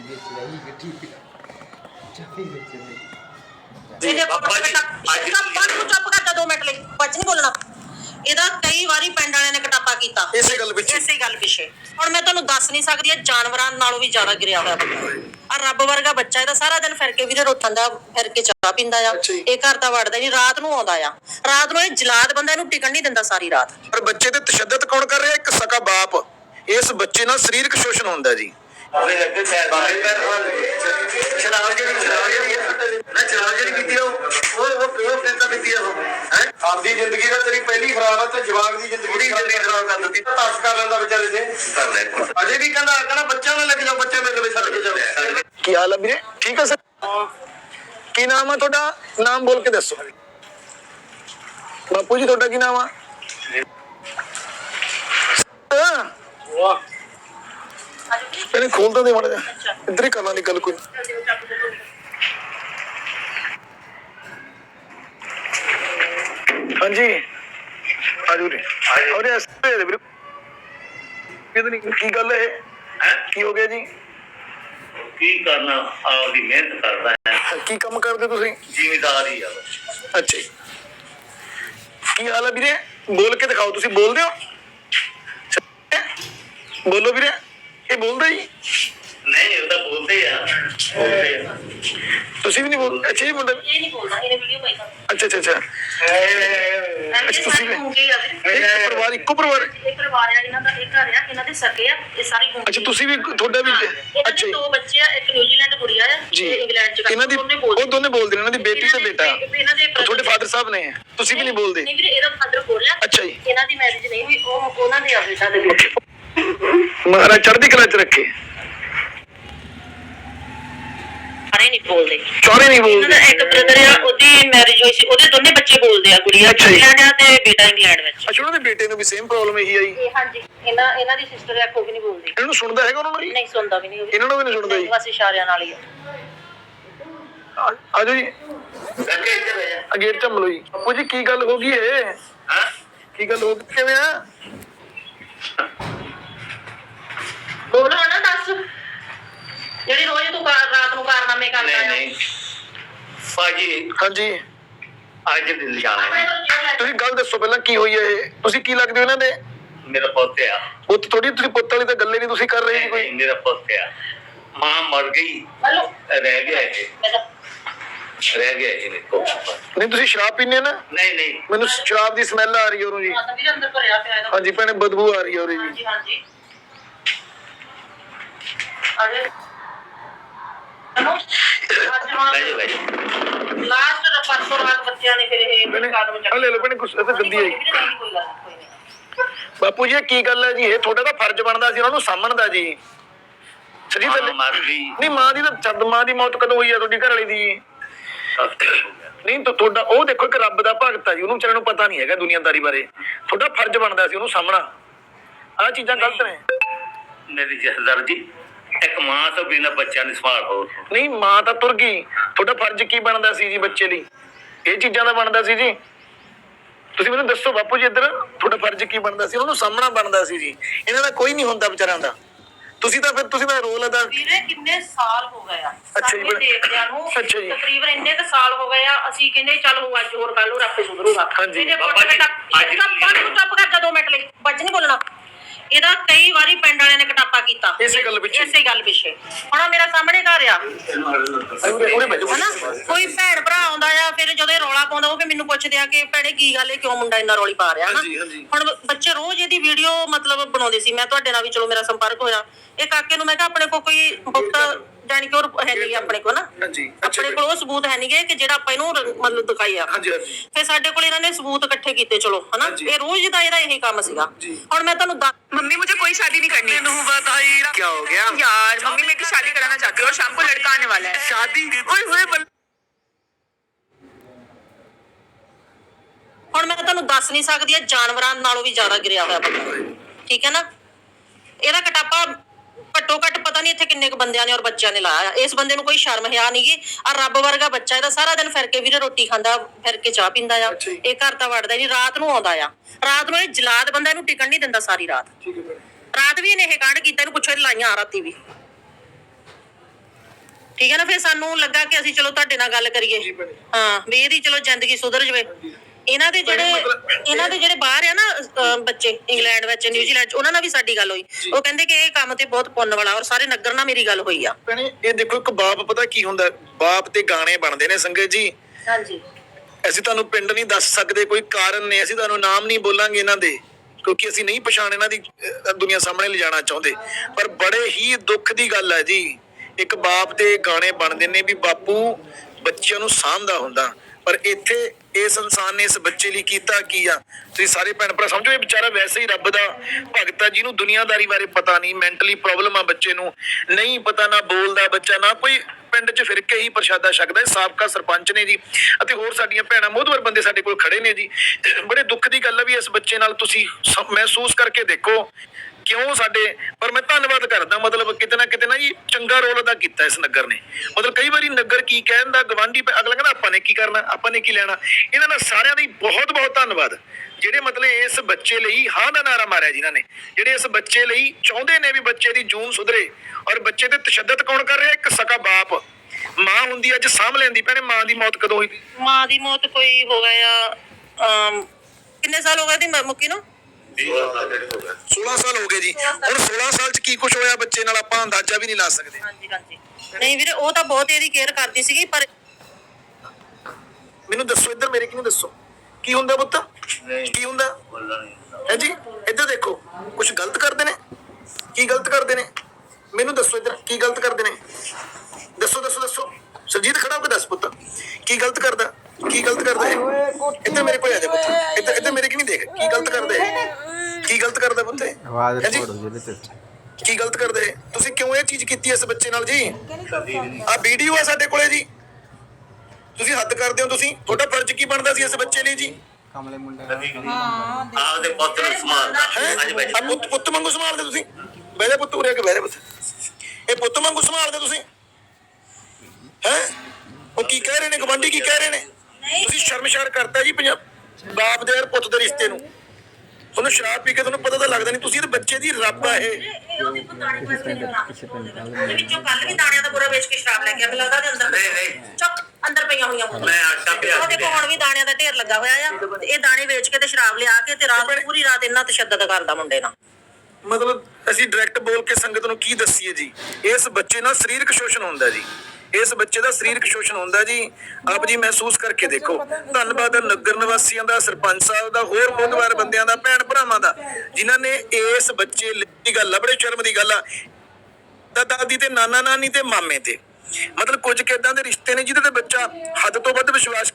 चुप कर 2 मिनट ਲਈ ਕੁਝ ਨਹੀਂ ਬੋਲਣਾ। ਇਹਦਾ ਕਈ ਵਾਰੀ ਪਿੰਡ ਵਾਲਿਆਂ ਨੇ ਕਟਾਪਾ ਕੀਤਾ ਇਸੇ ਗੱਲ ਪਿੱਛੇ। ਹੁਣ ਮੈਂ ਤੁਹਾਨੂੰ ਦੱਸ ਨਹੀਂ ਸਕਦੀ, ਇਹ ਜਾਨਵਰਾਂ ਨਾਲੋਂ ਵੀ ਜ਼ਿਆਦਾ ਗਿਰਿਆ ਹੋਇਆ ਬੰਦਾ ਆ। ਰੱਬ ਵਰਗਾ ਬੱਚਾ, ਇਹਦਾ ਸਾਰਾ ਦਿਨ ਫਿਰ ਕੇ ਵੀਰੇ ਰੋਟਾਂਦਾ, ਫਿਰ ਕੇ ਚਾਹ ਪੀਂਦਾ ਆ, ਇਹ ਘਰ ਤਾਂ ਵੜਦਾ ਨਹੀਂ, ਰਾਤ ਨੂੰ ਆਉਂਦਾ ਆ। ਰਾਤ ਨੂੰ ਇਹ ਜਲਾਦ ਬੰਦਾ ਇਹਨੂੰ ਟਿਕਣ ਨਹੀਂ ਦਿੰਦਾ ਸਾਰੀ ਰਾਤ। ਪਰ ਬੱਚੇ ਤੇ ਤਸ਼ੱਦਦ ਕੌਣ ਕਰ ਰਿਹਾ? ਇੱਕ ਸਕਾ ਬਾਪ। ਇਸ ਬੱਚੇ ਨਾਲ ਸਰੀਰਕ ਸ਼ੋਸ਼ਣ ਹੁੰਦਾ ਜੀ। ਆਪਦੀ ਜ਼ਿੰਦਗੀ ਦਾ ਤੇਰੀ ਪਹਿਲੀ ਖਰਾਬ ਹੈ ਤੇ ਜਵਾਕ ਦੀ ਜ਼ਿੰਦਗੀ ਖਰਾਬ ਕਰ ਦਿੱਤੀ। ਤਰਸ ਕਰ ਲੈਂਦਾ ਵਿਚਾਰੇ ਤੇ। ਅਜੇ ਵੀ ਕਹਿੰਦਾ ਬੱਚਾ ਨਾ ਲੱਗ ਜਾਓ, ਬੱਚੇ ਮੇਰੇ ਲਈ ਛੱਡ ਕੇ ਜਾਓ। ਕੀ ਹਾਲ ਹੈ ਵੀਰੇ? ਠੀਕ ਹੈ ਸਰ। ਕੀ ਨਾਮ ਹੈ ਤੁਹਾਡਾ? ਨਾਮ ਬੋਲ ਕੇ ਦੱਸੋ। ਬਾਪੂ ਜੀ ਤੁਹਾਡਾ ਕੀ ਨਾਮ ਆ? ਪਹਿਲੇ ਖੋਲਦਾ ਦੇ ਮਾੜਾ ਜਿਹਾ, ਇੱਧਰ ਹੀ ਕਰਨਾ ਨਿਕਲ ਕੋਈ। ਹਾਂਜੀ ਆਜੋ ਰੇ ਕੀ ਗੱਲ ਹੈ? ਕੀ ਹੋ ਗਿਆ ਜੀ? ਕੀ ਕਰਨਾ, ਆਪਦੀ ਮਿਹਨਤ ਕਰਦਾ ਹੈ। ਕੀ ਕੰਮ ਕਰਦੇ ਤੁਸੀਂ? ਜ਼ਿਮੀਦਾਰ ਹੀ ਆ। ਅੱਛਾ ਜੀ। ਕੀ ਹਾਲ ਹੈ ਵੀਰੇ? ਬੋਲ ਕੇ ਦਿਖਾਓ। ਤੁਸੀਂ ਬੋਲਦੇ ਹੋ? ਬੋਲੋ ਵੀਰੇ। ਇਹ ਬੋਲਦਾ ਜੀ? ਨਹੀਂ, ਉਹ ਤਾਂ ਬੋਲਦੇ ਆ। ਤੁਸੀਂ ਵੀ ਨਹੀਂ ਬੋਲਦੇ? ਅੱਛਾ ਜੀ। ਮੁੰਡਾ ਇਹ ਨਹੀਂ ਬੋਲਦਾ, ਇਹਨੇ ਵੀਡੀਓ ਪਾਈ ਤਾਂ। ਅੱਛਾ ਤੁਸੀਂ ਪਰਿਵਾਰ ਇੱਕੋ ਪਰਿਵਾਰ? ਇਹ ਪਰਿਵਾਰ ਆ ਇਹਨਾਂ ਦਾ, ਇਹ ਘਰ ਆ, ਇਹਨਾਂ ਦੇ ਸਕੇ ਆ, ਇਹ ਸਾਰੇ ਗੁੰਗੇ। ਅੱਛਾ ਤੁਸੀਂ ਵੀ, ਤੁਹਾਡਾ ਵੀ? ਅੱਛਾ ਜੀ। 2 ਬੱਚੇ ਆ, ਇੱਕ ਨਿਊਜ਼ੀਲੈਂਡ ਗੁੜੀਆ ਆ, ਇੰਗਲੈਂਡ ਚ। ਇਹਨਾਂ ਦੀ ਉਹ ਦੋਨੇ ਬੋਲਦੇ ਨੇ, ਇਹਨਾਂ ਦੀ ਬੇਟੀ ਤੇ ਬੇਟਾ। ਤੁਹਾਡੇ ਫਾਦਰ ਸਾਹਿਬ ਨੇ? ਤੁਸੀਂ ਵੀ ਨਹੀਂ ਬੋਲਦੇ? ਨਹੀਂ ਵੀਰੇ, ਇਹਦਾ ਫਾਦਰ ਬੋਲਿਆ। ਅੱਛਾ ਜੀ। ਇਹਨਾਂ ਦੀ ਮੈਰਿਜ ਨਹੀਂ ਹੋਈ, ਉਹਨਾਂ ਦੇ ਆ ਬੇਟਾ ਦੇ ਵਿੱਚ। ਮਹਾਰਾਜ ਚੜ੍ਹਦੀ ਕਲਾ ਚ ਰੱਖੇ। ਸਾਰੇ ਨਹੀਂ ਬੋਲਦੇ। ਸਾਰੇ ਨਹੀਂ ਬੋਲਦੇ। ਇਹਨਾਂ ਦਾ ਇੱਕ ਬ੍ਰਦਰ ਆ, ਉਹਦੀ ਮੈਰਿਜ ਹੋਈ ਸੀ, ਉਹਦੇ ਦੋਨੇ ਬੱਚੇ ਬੋਲਦੇ ਆ, ਗੁੜੀਆ ਇੰਗਲੈਂਡ ਆ ਤੇ ਬੇਟਾ ਇੰਗਲੈਂਡ ਵਿੱਚ। ਅੱਛਾ, ਉਹਨਾਂ ਦੇ ਬੇਟੇ ਨੂੰ ਵੀ ਸੇਮ ਪ੍ਰੋਬਲਮ ਇਹੀ ਆਈ? ਹਾਂਜੀ। ਇਹਨਾਂ ਦੀ ਸਿਸਟਰ ਆ, ਕੋਈ ਵੀ ਨਹੀਂ ਬੋਲਦੀ। ਇਹਨਾਂ ਨੂੰ ਸੁਣਦਾ ਹੈਗਾ ਉਹਨਾਂ ਨੂੰ? ਨਹੀਂ ਸੁਣਦਾ ਵੀ ਨਹੀਂ। ਇਹਨਾਂ ਨੂੰ ਵੀ ਨਹੀਂ ਸੁਣਦਾ ਜੀ? ਬਸ ਇਸ਼ਾਰਿਆਂ ਨਾਲ ਹੀ ਆ। ਆਜੋ ਜੀ, ਗੇਟ ਝੰਮ ਲੋ ਜੀ। ਬਾਪੂ ਜੀ ਕੀ ਗੱਲ ਹੋ ਗਈ ਹੈ? ਕੀ ਗੱਲ ਹੋ ਗਈ? ਕਿਵੇਂ ਆ? ਬੋਲ ਹੁਣ, ਦੱਸ। ਜਿਹੜੀ ਰੋਜ਼ ਤੂੰ ਰਾਤ ਨੂੰ ਕਾਰਨਾਮੇ ਕਰਦਾ। ਨਹੀਂ ਭਾਜੀ। ਹਾਂਜੀ। ਅੱਜ ਦਿਲ ਜਾਣਾ। ਤੁਸੀਂ ਗੱਲ ਦੱਸੋ ਪਹਿਲਾਂ, ਕੀ ਹੋਈ ਹੈ? ਤੁਸੀਂ ਕੀ ਲੱਗਦੇ ਹੋ ਇਹਨਾਂ ਦੇ? ਮੇਰਾ ਪੁੱਤ ਆ। ਪੁੱਤ ਥੋੜੀ, ਤੁਸੀਂ ਪੁੱਤ ਵਾਲੀ ਤਾਂ ਗੱਲੇ ਨਹੀਂ ਤੁਸੀਂ ਕਰ ਰਹੇ ਜੀ ਕੋਈ। ਮੇਰਾ ਪੁੱਤ ਆ। ਮਾਂ ਮਰ ਗਈ, ਰਹਿ ਗਿਆ ਇਹ ਦੇਖੋ। ਨਹੀਂ ਤੁਸੀਂ ਸ਼ਰਾਬ ਪੀਂਦੇ ਨਾ? ਨਹੀਂ ਮੈਨੂੰ ਸ਼ਰਾਬ ਦੀ ਸਮੈਲ ਆ ਰਹੀ ਹੈ ਉਹਨੂੰ ਜੀ। ਅੰਦਰ ਭਰਿਆ ਪਿਆ ਇਹਦਾ। ਹਾਂਜੀ ਭੈਣੇ, ਬਦਬੂ ਆ ਰਹੀ ਹੈ ਉਹਦੀ ਜੀ। ਹਾਂਜੀ। ਲਾਸਟ ਪਰਸੋਂ ਰਾਤ ਬੱਚਿਆਂ ਨੇ ਫਿਰ ਇਹ ਕਦਮ ਚੱਕਿਆ। ਲੈ ਲਓ ਭੈਣੇ, ਕੁਛ ਤਾਂ ਗੰਦੀ ਆਈ। ਬਾਪੂ ਜੀ ਕੀ ਗੱਲ ਹੈ ਜੀ? ਇਹ ਤੁਹਾਡਾ ਤਾਂ ਫਰਜ਼ ਬਣਦਾ ਸੀ ਉਹਨਾਂ ਨੂੰ ਸਾਂਭਣ ਦਾ ਜੀ। ਸਰੀ ਮਰ ਗਈ। ਨਹੀਂ, ਮਾਂ ਦੀ ਤਾਂ ਮਾਂ ਦੀ ਮੌਤ ਕਦੋਂ ਹੋਈ ਆ ਤੁਹਾਡੀ ਘਰ ਵਾਲੀ ਦੀ? ਨਹੀਂ ਤਾਂ ਤੁਹਾਡਾ ਉਹ ਦੇਖੋ, ਇੱਕ ਰੱਬ ਦਾ ਭਗਤ ਆ ਜੀ, ਉਹਨੂੰ ਵਿਚਾਰੇ ਨੂੰ ਪਤਾ ਨਹੀਂ ਹੈਗਾ ਦੁਨੀਆਦਾਰੀ ਬਾਰੇ। ਤੁਹਾਡਾ ਫਰਜ਼ ਬਣਦਾ ਸੀ ਉਹਨੂੰ ਸਾਂਭਣਾ। ਆਹ ਚੀਜ਼ਾਂ ਗਲਤ ਨੇ ਮੇਰੀ ਜਹਦਰ ਜੀ। ਇੱਕ ਮਾਂ ਤੋਂ ਬਿਨਾਂ ਬੱਚਾ ਨਹੀਂ ਸੰਭਾਲ ਹੋ। ਨਹੀਂ, ਮਾਂ ਤਾਂ ਤੁਰ ਗਈ, ਤੁਹਾਡਾ ਫਰਜ਼ ਕੀ ਬਣਦਾ ਸੀ ਜੀ ਬੱਚੇ ਲਈ? ਇਹ ਚੀਜ਼ਾਂ ਦਾ ਬਣਦਾ ਸੀ ਜੀ। ਤੁਸੀਂ ਮੈਨੂੰ ਦੱਸੋ ਬਾਪੂ ਜੀ, ਇੱਧਰ ਤੁਹਾਡਾ ਫਰਜ਼ ਕੀ ਬਣਦਾ ਸੀ? ਉਹਨੂੰ ਸਾਹਮਣਾ ਬਣਦਾ ਸੀ ਜੀ। ਇਹਨਾਂ ਦਾ ਕੋਈ ਨਹੀਂ ਹੁੰਦਾ ਵਿਚਾਰਿਆਂ ਦਾ। ਤੁਸੀਂ ਤਾਂ ਰੋਲ ਅਦਾ। ਵੀਰੇ ਕਿੰਨੇ ਸਾਲ ਹੋ ਗਏ ਆ ਸਾਡੇ ਦੇਖਦਿਆਂ ਨੂੰ। ਅੱਛਾ ਜੀ। ਤਕਰੀਬਨ ਇੰਨੇ ਕੁ ਸਾਲ ਹੋ ਗਏ ਆ, ਅਸੀਂ ਕਹਿੰਦੇ ਚੱਲ ਹੋ ਅੱਜ ਹੋਰ ਕੱਲ ਨੂੰ ਆਪੇ ਸੁਧਰੂਗਾ। ਹਾਂਜੀ। ਚੁੱਪ ਕਰ 2 ਮਿੰਟ ਲਈ, ਬੱਜ ਨਹੀਂ ਬੋਲਣਾ। ਇਹਦਾ ਕਈ ਵਾਰੀ ਪਿੰਡ ਵਾਲਿਆਂ ਨੇ ਕਟਾਪਾ ਕੀਤਾ ਇਸੇ ਗੱਲ ਪਿੱਛੇ। ਹੁਣ ਮੇਰਾ ਸਾਹਮਣੇ ਘਰ ਆ ਹਨਾ, ਕੋਈ ਭੈਣ ਭਰਾ ਆਉਂਦਾ ਆ, ਫਿਰ ਜਦੋਂ ਇਹ ਰੌਲਾ ਪਾਉਂਦਾ ਉਹ ਮੈਨੂੰ ਪੁੱਛਦੇ ਆ ਕਿ ਭੈਣੇ ਕੀ ਗੱਲ ਹੈ, ਕਿਉਂ ਮੁੰਡਾ ਇੰਨਾ ਰੌਲੀ ਪਾ ਰਿਹਾ। ਹੁਣ ਬੱਚੇ ਰੋਜ਼ ਇਹਦੀ ਵੀਡੀਓ ਮਤਲਬ ਬਣਾਉਂਦੇ ਸੀ। ਮੈਂ ਤੁਹਾਡੇ ਨਾਲ ਵੀ ਚਲੋ ਮੇਰਾ ਸੰਪਰਕ ਹੋਇਆ। ਇਹ ਕਾਕੇ ਨੂੰ ਮੈਂ ਕਿਹਾ ਆਪਣੇ ਕੋਲ ਕੋਈ ਬੁੱਕ ਜਾਣੀ ਕਿ ਉਹ ਹੈ ਨਹੀਂ ਆਪਣੇ ਕੋਲ ਨਾ, ਆਪਣੇ ਕੋਲ ਉਹ ਸਬੂਤ ਹੈ ਨਹੀਂ ਗੇ ਕਿ ਜਿਹੜਾ ਆਪਾਂ ਇਹਨੂੰ ਮਤਲਬ ਦਿਖਾਈ ਆ। ਫਿਰ ਸਾਡੇ ਕੋਲ ਇਹਨਾਂ ਨੇ ਸਬੂਤ ਇਕੱਠੇ ਕੀਤੇ। ਚਲੋ ਹਨਾ, ਇਹ ਰੋਜ਼ ਦਾ ਇਹਦਾ ਇਹੀ ਕੰਮ ਸੀਗਾ। ਹੁਣ ਮੈਂ ਤੁਹਾਨੂੰ मम्मी मुझे कोई शादी नहीं करनी। क्या हो गया यार? मम्मी मेरी शादी कराना चाहती है और शाम को लड़का आने वाला है। शादी? ਹੁਣ ਮੈਂ ਤੁਹਾਨੂੰ ਦੱਸ ਨਹੀਂ ਸਕਦੀ, ਇਹ ਜਾਨਵਰਾਂ ਨਾਲੋਂ ਵੀ ਜ਼ਿਆਦਾ ਗਿਰਿਆ ਹੋਇਆ ਬੰਦਾ। ਠੀਕ ਹੈ ਨਾ? ਇਹਦਾ ਕਟਾਪਾ ਘੱਟੋ ਘੱਟ ਪਤਾ ਨਹੀਂ ਇੱਥੇ ਕਿੰਨੇ ਕੁ ਬੰਦਿਆਂ ਨੇ ਔਰ ਬੱਚਿਆਂ ਨੇ ਲਾਇਆ। ਇਸ ਬੰਦੇ ਨੂੰ ਕੋਈ ਸ਼ਰਮ ਹਿਆ ਨਹੀਂ ਗੀ। ਆ ਰੱਬ ਵਰਗਾ ਬੱਚਾ, ਇਹਦਾ ਸਾਰਾ ਦਿਨ ਫਿਰ ਕੇ ਵੀਰੇ ਰੋਟੀ ਖਾਂਦਾ, ਫਿਰ ਕੇ ਚਾਹ ਪੀਂਦਾ ਆ, ਇਹ ਘਰ ਤਾਂ ਵੜਦਾ ਨਹੀਂ, ਰਾਤ ਨੂੰ ਆਉਂਦਾ ਆ। ਰਾਤ ਨੂੰ ਇਹ ਜਲਾਦ ਬੰਦਾ ਇਹਨੂੰ ਟਿਕਣ ਨਹੀਂ ਦਿੰਦਾ ਸਾਰੀ ਰਾਤ। ਰਾਤ ਵੀ ਇਹਨੇ ਇਹ ਕਾਂਡ ਕੀਤਾ, ਇਹਨੂੰ ਪੁੱਛੋ, ਇਹ ਲਾਈਆਂ ਰਾਤੀ ਵੀ। ਠੀਕ ਹੈ। ਹੁਣ ਮੈਂ ਤੁਹਾਨੂੰ ਦੱਸ ਨਹੀਂ ਸਕਦੀ, ਇਹ ਜਾਨਵਰਾਂ ਨਾਲੋਂ ਵੀ ਜ਼ਿਆਦਾ ਗਿਰਿਆ ਹੋਇਆ ਬੰਦਾ। ਠੀਕ ਹੈ ਨਾ? ਇਹਦਾ ਕਟਾਪਾ ਘੱਟੋ ਘੱਟ ਪਤਾ ਨਹੀਂ ਇੱਥੇ ਕਿੰਨੇ ਕੁ ਬੰਦਿਆਂ ਨੇ ਔਰ ਬੱਚਿਆਂ ਨੇ ਲਾਇਆ। ਇਸ ਬੰਦੇ ਨੂੰ ਕੋਈ ਸ਼ਰਮ ਹਿਆ ਨਹੀਂ ਗੀ। ਆ ਰੱਬ ਵਰਗਾ ਬੱਚਾ, ਇਹਦਾ ਸਾਰਾ ਦਿਨ ਫਿਰ ਕੇ ਵੀਰੇ ਰੋਟੀ ਖਾਂਦਾ, ਫਿਰ ਕੇ ਚਾਹ ਪੀਂਦਾ ਆ, ਇਹ ਘਰ ਤਾਂ ਵੜਦਾ ਨਹੀਂ, ਰਾਤ ਨੂੰ ਆਉਂਦਾ ਆ। ਰਾਤ ਨੂੰ ਇਹ ਜਲਾਦ ਬੰਦਾ ਇਹਨੂੰ ਟਿਕਣ ਨਹੀਂ ਦਿੰਦਾ ਸਾਰੀ ਰਾਤ। ਠੀਕ ਹੈ ਨਾ। ਫਿਰ ਸਾਨੂੰ ਲੱਗਾ ਕਿ ਅਸੀਂ ਚਲੋ ਤੁਹਾਡੇ ਨਾਲ ਗੱਲ ਕਰੀਏ, ਹਾਂ ਵੀ ਇਹਦੀ ਚਲੋ ਜ਼ਿੰਦਗੀ ਸੁਧਰ ਜਵੇ। ਇਹਨਾਂ ਦੇ ਜਿਹੜੇ ਬਾਹਰ ਆ ਨਾ ਬੱਚੇ ਇੰਗਲੈਂਡ ਵਿੱਚ, ਨਿਊਜ਼ੀਲੈਂਡ ਚ, ਉਹਨਾਂ ਨਾਲ ਵੀ ਸਾਡੀ ਗੱਲ ਹੋਈ। ਉਹ ਕਹਿੰਦੇ ਕਿ ਇਹ ਕੰਮ ਤੇ ਬਹੁਤ ਪੁੰਨ ਵਾਲਾ, ਔਰ ਸਾਰੇ ਨਗਰ ਨਾਲ ਮੇਰੀ ਗੱਲ ਹੋਈ ਆ। ਭੈਣੇ ਇਹ ਦੇਖੋ, ਇੱਕ ਬਾਪ ਪਤਾ ਕੀ ਹੁੰਦਾ, ਬਾਪ ਤੇ ਗਾਣੇ ਬਣਦੇ ਨੇ ਸੰਗਤ ਜੀ। ਹਾਂਜੀ, ਅਸੀਂ ਤੁਹਾਨੂੰ ਪਿੰਡ ਨਹੀਂ ਦੱਸ ਸਕਦੇ, ਕੋਈ ਕਾਰਨ ਨੇ, ਅਸੀਂ ਤੁਹਾਨੂੰ ਨਾਮ ਨਹੀਂ ਬੋਲਾਂਗੇ ਇਹਨਾਂ ਦੇ, ਕਿਉਂਕਿ ਅਸੀਂ ਨਹੀਂ ਪਛਾਣ ਇਹਨਾਂ ਦੀ ਦੁਨੀਆ ਸਾਹਮਣੇ ਲਿਜਾਣਾ ਚਾਹੁੰਦੇ। ਪਰ ਬੜੇ ਹੀ ਦੁੱਖ ਦੀ ਗੱਲ ਹੈ ਜੀ, ਇੱਕ ਬਾਪ ਤੇ ਗਾਣੇ ਬਣਦੇ ਨੇ ਵੀ ਬਾਪੂ ਬੱਚਿਆਂ ਨੂੰ ਸਾਂਭਦਾ ਹੁੰਦਾ, ਪਰ ਇੱਥੇ ਇਸ ਇਨਸਾਨ ਨੇ ਇਸ ਬੱਚੇ ਲਈ ਕੀਤਾ ਕੀ ਆ। ਤੁਸੀਂ ਸਾਰੇ ਭੈਣ ਭਰਾ ਸਮਝੋ, ਇਹ ਵਿਚਾਰਾ ਵੈਸੇ ਹੀ ਰੱਬ ਦਾ ਭਗਤ ਆ, ਜਿਹਨੂੰ ਦੁਨੀਆਦਾਰੀ ਬਾਰੇ ਪਤਾ ਨਹੀਂ, ਮੈਂਟਲੀ ਪ੍ਰੋਬਲਮ ਆ ਬੱਚੇ ਨੂੰ, ਨਹੀਂ ਪਤਾ, ਨਾ ਬੋਲਦਾ ਬੱਚਾ, ਨਾ ਕੋਈ ਪਿੰਡ 'ਚ ਫਿਰ ਕੇ ਹੀ ਪ੍ਰਸ਼ਾਦਾ ਛਕਦਾ। ਸਾਬਕਾ ਸਰਪੰਚ ਨੇ ਜੀ, ਅਤੇ ਹੋਰ ਸਾਡੀਆਂ ਭੈਣਾਂ ਮੋਹਤਵਰ ਬੰਦੇ ਸਾਡੇ ਕੋਲ ਖੜੇ ਨੇ ਜੀ। ਬੜੇ ਦੁੱਖ ਦੀ ਗੱਲ ਆ ਵੀ ਇਸ ਬੱਚੇ ਨਾਲ ਤੁਸੀਂ ਮਹਿਸੂਸ ਕਰਕੇ ਦੇਖੋ ਕਿਉਂ ਸਾਡੇ, ਪਰ ਮੈਂ ਧੰਨਵਾਦ ਕਰਦਾ, ਮਤਲਬ ਕਿਤੇ ਨਾ ਜੀ ਚੰਗਾ ਰੋਲ ਅਦਾ ਕੀਤਾ ਇਸ ਨਗਰ ਨੇ। ਮਤਲਬ ਕਈ ਵਾਰੀ ਨਗਰ ਕੀ ਕਹਿੰਦਾ, ਗਵਾਂਢੀ ਅਗਲਾ ਕਹਿੰਦਾ ਆਪਾਂ ਨੇ ਕੀ ਕਰਨਾ, ਆਪਾਂ ਨੇ ਕੀ ਲੈਣਾ। ਇਹਨਾਂ ਦਾ ਸਾਰਿਆਂ ਦਾ ਬਹੁਤ ਬਹੁਤ ਧੰਨਵਾਦ, ਜਿਹੜੇ ਮਤਲਬ ਇਸ ਬੱਚੇ ਲਈ ਹਾਂ ਦਾ ਨਾਰਾ ਮਾਰਿਆ ਜਿਨ੍ਹਾਂ ਨੇ, ਜਿਹੜੇ ਇਸ ਬੱਚੇ ਲਈ ਚਾਹੁੰਦੇ ਨੇ ਵੀ ਬੱਚੇ ਦੀ ਜੂਨ ਸੁਧਰੇ। ਔਰ ਬੱਚੇ ਤੇ ਤਸ਼ੱਦਦ ਕੌਣ ਕਰ ਰਿਹਾ? ਇੱਕ ਸਕਾ ਬਾਪ, ਮਾਂ ਹੁੰਦੀ ਅੱਜ ਸਾਂਭ ਲੈਂਦੀ। ਭੈਣੇ ਮਾਂ ਦੀ ਮੌਤ ਕਦੋਂ ਹੋਈ? ਮਾਂ ਦੀ ਮੌਤ ਕੋਈ ਹੋ ਗਿਆ, ਕਿੰਨੇ ਸਾਲ ਹੋ ਗਏ ਦੀ ਮੁੱਕੀ ਨੂੰ? 16 ਸਾਲ ਹੋ ਗਏ ਜੀ। ਹੁਣ 16 ਸਾਲ ਚ ਕੀ ਕੁਝ ਹੋਇਆ ਬੱਚੇ ਨਾਲ ਆਪਾਂ ਅੰਦਾਜ਼ਾ ਵੀ ਨਹੀਂ ਲਾ ਸਕਦੇ। ਹਾਂਜੀ ਹਾਂਜੀ, ਨਹੀਂ ਵੀਰੇ ਉਹ ਤਾਂ ਬਹੁਤ ਇਹਦੀ ਕੇਅਰ ਕਰਦੀ ਸੀਗੀ, ਪਰ ਮੈਨੂੰ ਦੱਸੋ, ਇੱਧਰ ਮੇਰੇ ਕਿਹਨੂੰ ਦੱਸੋ ਕੀ ਹੁੰਦਾ ਪੁੱਤ, ਕੀ ਹੁੰਦਾ ਹੈ ਜੀ? ਇੱਧਰ ਦੇਖੋ, ਕੁਝ ਗਲਤ ਕਰਦੇ ਨੇ? ਕੀ ਗਲਤ ਕਰਦੇ ਨੇ? ਮੈਨੂੰ ਦੱਸੋ ਇੱਧਰ ਕੀ ਗਲਤ ਕਰਦੇ ਨੇ? ਦੱਸੋ ਦੱਸੋ ਦੱਸੋ। ਸਰਜੀਤ ਖੜਾ ਹੋ ਕੇ ਦੱਸ ਪੁੱਤ, ਕੀ ਗਲਤ ਕਰਦਾ? ਕੀ ਗਲਤ ਕਰਦਾ ਹੈ? ਇੱਧਰ ਮੇਰੇ ਕੋਲ ਆ ਜਾ ਪੁੱਤ, ਇੱਧਰ ਮੇਰੇ ਕਿ ਨਹੀਂ ਦੇਖ, ਕੀ ਗਲਤ ਕਰਦਾ ਹੈ? ਕੀ ਗਲਤ ਕਰਦਾ ਪੁੱਤ? ਕੀ ਗਲਤ ਕਰਦਾ ਹੈ? ਤੁਸੀਂ ਕਿਉਂ ਇਹ ਚੀਜ਼ ਕੀਤੀ ਇਸ ਬੱਚੇ ਨਾਲ ਜੀ? ਆ ਵੀਡੀਓ ਆ ਸਾਡੇ ਕੋਲੇ ਜੀ, ਤੁਸੀਂ ਹੱਦ ਕਰਦੇ ਹੋ। ਤੁਸੀਂ, ਤੁਹਾਡਾ ਫਰਜ਼ ਕੀ ਬਣਦਾ ਸੀ ਇਸ ਬੱਚੇ ਲਈ ਜੀ? ਆਪਦੇ ਪੁੱਤ ਨੂੰ ਸੰਭਾਲਦਾ। ਪੁੱਤ ਵਾਂਗੂ ਸੰਭਾਲਦੇ ਤੁਸੀਂ? ਬਹਿ ਜਾ ਪੁੱਤ, ਉਰੇ ਆ ਕੇ ਬਹਿ ਜਾ ਪੁੱਤ। ਇਹ ਪੁੱਤ ਵਾਂਗੂ ਸੰਭਾਲਦੇ ਤੁਸੀਂ ਹੈ? ਉਹ ਕੀ ਕਹਿ ਰਹੇ ਨੇ ਗਵਾਂਢੀ, ਕੀ ਕਹਿ ਰਹੇ ਨੇ? ਤੁਸੀਂ ਸ਼ਰਮਸ਼ਾਰ ਕਰਤਾ ਜੀ ਪੰਜਾਬ ਬਾਪ ਦੇ ਪੁੱਤ ਦੇ ਰਿਸ਼ਤੇ ਨੂੰ। ਤੁਹਾਨੂੰ ਸ਼ਰਾਬ ਪੀ ਕੇ ਤੁਹਾਨੂੰ ਪਤਾ ਤਾਂ ਲੱਗਦਾ ਨਹੀਂ, ਤੁਸੀਂ ਇਹਦੇ ਬੱਚੇ ਦੀ ਰੱਬ ਆ ਇਹ। ਵਿੱਚੋਂ ਕੱਲ ਵੀ ਦਾਣਿਆਂ ਦਾ ਬੁਰਾ ਵੇਚ ਕੇ ਸ਼ਰਾਬ ਲੈ ਕੇ ਆ, ਮੈਨੂੰ ਲੱਗਦਾ ਦੇ ਅੰਦਰ ਚੁੱਪ ਅੰਦਰ ਪਈਆਂ ਹੋਈਆਂ ਉਹਦੇ ਕੋਲ ਹੁਣ ਵੀ ਦਾਣਿਆਂ ਦਾ ਢੇਰ ਲੱਗਾ ਹੋਇਆ ਆ। ਇਹ ਦਾਣੇ ਵੇਚ ਕੇ ਤੇ ਸ਼ਰਾਬ ਲਿਆ ਕੇ ਤੇ ਰਾਤ ਪੂਰੀ ਰਾਤ ਇੰਨਾ ਤਸ਼ੱਦਦ ਕਰਦਾ ਮੁੰਡੇ ਨਾਲ। ਮਤਲਬ ਅਸੀਂ ਡਾਇਰੈਕਟ ਬੋਲ ਕੇ ਸੰਗਤ ਨੂੰ ਕੀ ਦੱਸੀਏ ਜੀ? ਇਸ ਬੱਚੇ ਨਾਲ ਸਰੀਰਕ ਸ਼ੋਸ਼ਣ ਹੁੰਦਾ ਜੀ, ਇਸ ਬੱਚੇ ਦਾ ਸਰੀਰਕ ਸ਼ੋਸ਼ਣ ਹੁੰਦਾ ਜੀ। ਆਪ ਜੀ ਮਹਿਸੂਸ ਕਰਕੇ ਦੇਖੋ। ਧੰਨਵਾਦ ਨਗਰ ਨਿਵਾਸੀਆਂ ਦਾ, ਸਰਪੰਚ ਸਾਹਿਬ ਦਾ, ਹੋਰ ਮੋਹਤਵਾਰ ਬੰਦਿਆਂ ਦਾ, ਭੈਣ ਭਰਾਵਾਂ ਦਾ, ਜਿਨ੍ਹਾਂ ਨੇ ਇਸ ਬੱਚੇ ਲਈ ਗੱਲ ਆ, ਬੜੇ ਸ਼ਰਮ ਦੀ ਗੱਲ ਆ, ਦਾਦੀ ਤੇ ਨਾਨਾ ਨਾਨੀ ਤੇ ਮਾਮੇ ਤੇ, ਮਤਲਬ ਕੁਝ ਕਿੱਦਾਂ ਦੇ ਰਿਸ਼ਤੇ ਨੇ ਜਿਹਦੇ ਤੇ ਬੱਚਾ ਹੱਦ ਤੋਂ ਵੱਧ ਵਿਸ਼ਵਾਸ